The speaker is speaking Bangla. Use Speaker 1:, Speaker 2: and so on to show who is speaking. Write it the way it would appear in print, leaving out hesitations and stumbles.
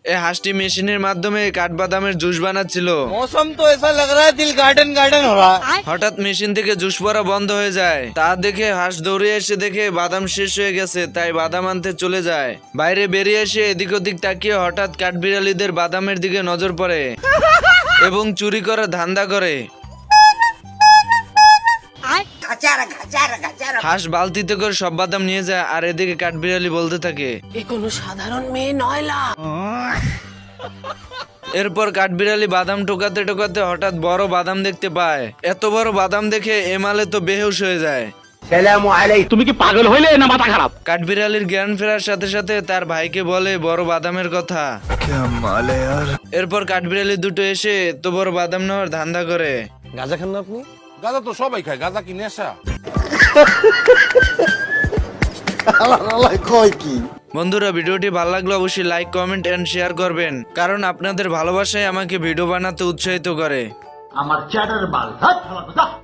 Speaker 1: এই হাঁসটি মেশিনের মাধ্যমে কাঠবাদামের জুস বানাচ্ছিল।
Speaker 2: मौसम तो ऐसा लग रहा है दिल गार्डन गार्डन हो रहा है।
Speaker 1: হঠাৎ মেশিন থেকে জুস পড়া বন্ধ হয়ে যায়। তা দেখে হাঁস দৌড়ে এসে দেখে বাদাম শেষ হয়ে গেছে, তাই বাদাম আনতে চলে যায়। বাইরে বেরিয়ে এসে এদিক ওদিক তাকিয়ে হঠাৎ কাঠবিড়ালিদের বাদামের দিকে নজর পড়ে এবং চুরি করার ধান্দা করে। হাঁস বালতিতে করে সব বাদাম নিয়ে যায়, আর এদিকে কাঠবিড়ালি বলতে থাকে,
Speaker 3: কোনো সাধারণ মেয়ে নয়লা।
Speaker 1: এরপর কাঠবিড়ালি বাদাম টোকাতে টোকাতে হঠাৎ বড় বাদাম দেখতে পায়। এত বড় বাদাম দেখে এমালে তো বেহুশ হয়ে যায়।
Speaker 4: তুমি কি পাগল হইলে না মাথা খারাপ?
Speaker 1: কাঠবিড়ালির জ্ঞান ফেরার সাথে সাথে তার ভাইকে বলে বড় বাদামের কথা। এরপর কাঠবিড়ালি দুটো এসে এত বড় বাদাম নেওয়ার ধান্দা করে।
Speaker 2: गाजा खान ना अपनी?
Speaker 5: গাঁজা তো সবাই খায়, গাঁজা কি নেশা?
Speaker 1: বন্ধুরা, ভিডিওটি ভালো লাগলে অবশ্যই লাইক, কমেন্ট এন্ড শেয়ার করবেন, কারণ আপনাদের ভালোবাসাই আমাকে ভিডিও বানাতে উৎসাহিত করে।
Speaker 4: আমার চ্যাটার বাল